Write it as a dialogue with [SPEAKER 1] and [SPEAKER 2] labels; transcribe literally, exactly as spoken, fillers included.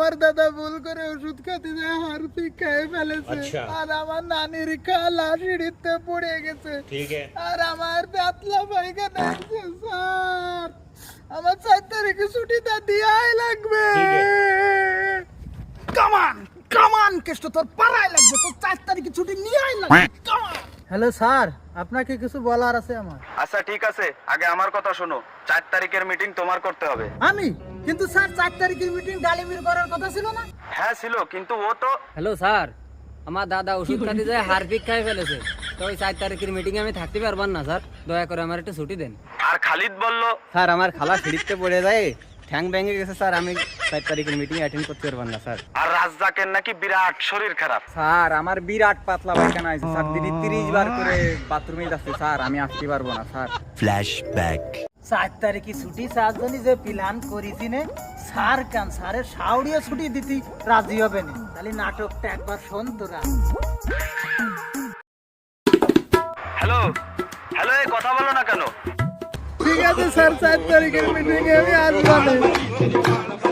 [SPEAKER 1] আমার দাদা ভুল করে ওষুধ খেতে যায় হারপিক খেয়ে ফেলেছে।
[SPEAKER 2] আচ্ছা।
[SPEAKER 1] আর আমার নানির খালা সিঁড়িতে পড়ে গেছে।
[SPEAKER 2] ঠিক আছে।
[SPEAKER 1] আর আমার পাতলা পায়খানা আছে স্যার। আমার চার তারিখে ছুটিটা দিয়াই লাগবে।
[SPEAKER 2] ঠিক
[SPEAKER 1] কামান কামান কেষ্ট তোর পাড়ায় লাগবে, তোর চার তারিখে ছুটি নিয়েই লাগবে। হ্যালো স্যার, আপনাকে কিছু বলার আছে আমার।
[SPEAKER 3] আচ্ছা ঠিক আছে, আগে আমার কথা শোনো। চার তারিখের মিটিং তোমার করতে হবে।
[SPEAKER 1] আমি কিন্তু স্যার চার তারিখের মিটিং ডালিমির করার কথা ছিল না?
[SPEAKER 3] হ্যাঁ ছিল, কিন্তু ও তো
[SPEAKER 4] হ্যালো স্যার, আমার দাদা ওষুধ খাতে যায় হারপিক খাই ফেলেছে, তো ওই চার তারিখের মিটিং আমি থাকতে পারবার না স্যার, দয়া করে আমার একটু ছুটি দেন।
[SPEAKER 3] আর খালিদ বলল
[SPEAKER 4] স্যার আমার খালা সিঁড়িতে পড়ে যায়, ঠ্যাং ভেঙে গেছে স্যার, আমি চার তারিখের মিটিং অ্যাটেন্ড করতে পারবার না স্যার।
[SPEAKER 3] আর রাজ্জাকের নাকি বিরাট শরীর খারাপ।
[SPEAKER 4] স্যার আমার বিরাট পাতলা পায়খানা আছে স্যার, দিনে তিরিশ বার করে বাথরুমে যাচ্ছে স্যার, আমি আসতে পারবো না স্যার।
[SPEAKER 5] ফ্ল্যাশব্যাক।
[SPEAKER 1] চার তারিখে ছুটি চারজনই যে প্ল্যান করেছি নে, স্যার কান স্যারের সাউরিয়া ছুটি দিতে রাজি হবে না। তাহলে নাটকটা একবার শোন তোরা।
[SPEAKER 3] হ্যালো হ্যালো, এই কথা বলো না কেন?
[SPEAKER 1] ঠিক আছে স্যার, চার তারিখের মিটিং এ আমি আসবো না।